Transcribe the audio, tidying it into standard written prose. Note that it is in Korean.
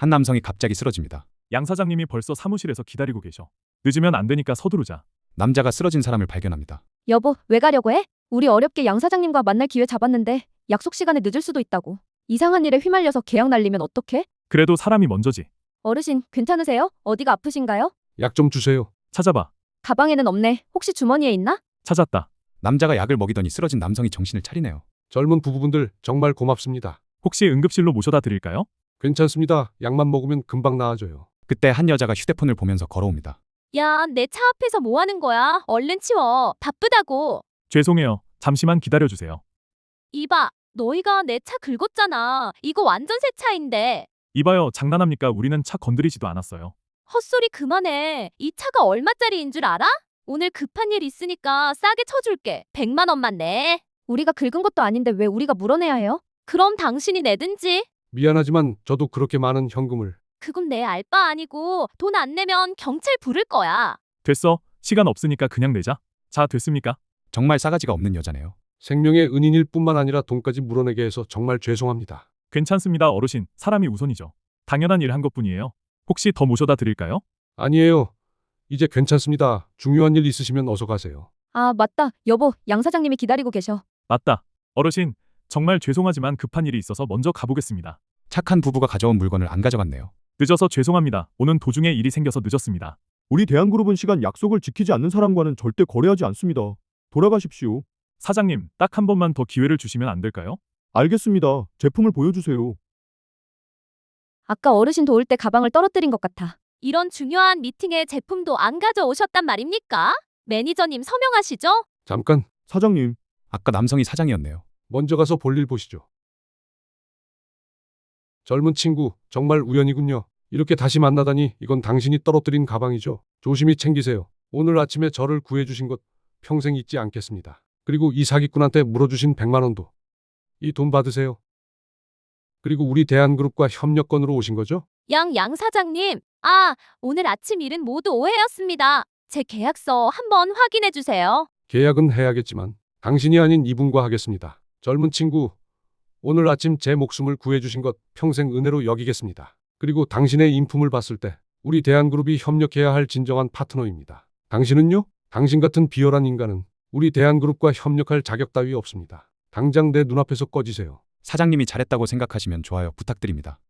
한 남성이 갑자기 쓰러집니다. 양 사장님이 벌써 사무실에서 기다리고 계셔. 늦으면 안 되니까 서두르자. 남자가 쓰러진 사람을 발견합니다. 여보, 왜 가려고 해? 우리 어렵게 양 사장님과 만날 기회 잡았는데 약속 시간에 늦을 수도 있다고. 이상한 일에 휘말려서 계약 날리면 어떡해? 그래도 사람이 먼저지. 어르신, 괜찮으세요? 어디가 아프신가요? 약 좀 주세요. 찾아봐. 가방에는 없네. 혹시 주머니에 있나? 찾았다. 남자가 약을 먹이더니 쓰러진 남성이 정신을 차리네요. 젊은 부부분들 정말 고맙습니다. 혹시 응급실로 모셔다 드릴까요? 괜찮습니다. 약만 먹으면 금방 나아져요. 그때 한 여자가 휴대폰을 보면서 걸어옵니다. 야, 내 차 앞에서 뭐 하는 거야? 얼른 치워. 바쁘다고. 죄송해요. 잠시만 기다려주세요. 이봐, 너희가 내 차 긁었잖아. 이거 완전 새 차인데. 이봐요. 장난합니까? 우리는 차 건드리지도 않았어요. 헛소리 그만해. 이 차가 얼마짜리인 줄 알아? 오늘 급한 일 있으니까 싸게 쳐줄게. 100만 원만 내. 우리가 긁은 것도 아닌데 왜 우리가 물어내야 해요? 그럼 당신이 내든지. 미안하지만 저도 그렇게 많은 현금을. 그건 내 알바 아니고 돈 안 내면 경찰 부를 거야. 됐어. 시간 없으니까 그냥 내자. 자, 됐습니까? 정말 싸가지가 없는 여자네요. 생명의 은인일 뿐만 아니라 돈까지 물어내게 해서 정말 죄송합니다. 괜찮습니다. 어르신. 사람이 우선이죠. 당연한 일 한 것뿐이에요. 혹시 더 모셔다 드릴까요? 아니에요. 이제 괜찮습니다. 중요한 일 있으시면 어서 가세요. 아, 맞다. 여보, 양 사장님이 기다리고 계셔. 맞다. 어르신. 정말 죄송하지만 급한 일이 있어서 먼저 가보겠습니다. 착한 부부가 가져온 물건을 안 가져갔네요. 늦어서 죄송합니다. 오는 도중에 일이 생겨서 늦었습니다. 우리 대한그룹은 시간 약속을 지키지 않는 사람과는 절대 거래하지 않습니다. 돌아가십시오. 사장님, 딱 한 번만 더 기회를 주시면 안 될까요? 알겠습니다. 제품을 보여주세요. 아까 어르신 도울 때 가방을 떨어뜨린 것 같아. 이런 중요한 미팅에 제품도 안 가져오셨단 말입니까? 매니저님 서명하시죠? 잠깐, 사장님, 아까 남성이 사장이었네요. 먼저 가서 볼일 보시죠. 젊은 친구, 정말 우연이군요. 이렇게 다시 만나다니 이건 당신이 떨어뜨린 가방이죠. 조심히 챙기세요. 오늘 아침에 저를 구해주신 것 평생 잊지 않겠습니다. 그리고 이 사기꾼한테 물어주신 100만 원도. 이 돈 받으세요. 그리고 우리 대한그룹과 협력건으로 오신 거죠? 양 사장님. 아, 오늘 아침 일은 모두 오해였습니다. 제 계약서 한번 확인해 주세요. 계약은 해야겠지만 당신이 아닌 이분과 하겠습니다. 젊은 친구, 오늘 아침 제 목숨을 구해주신 것 평생 은혜로 여기겠습니다. 그리고 당신의 인품을 봤을 때 우리 대한그룹이 협력해야 할 진정한 파트너입니다. 당신은요? 당신 같은 비열한 인간은 우리 대한그룹과 협력할 자격 따위 없습니다. 당장 내 눈앞에서 꺼지세요. 사장님이 잘했다고 생각하시면 좋아요 부탁드립니다.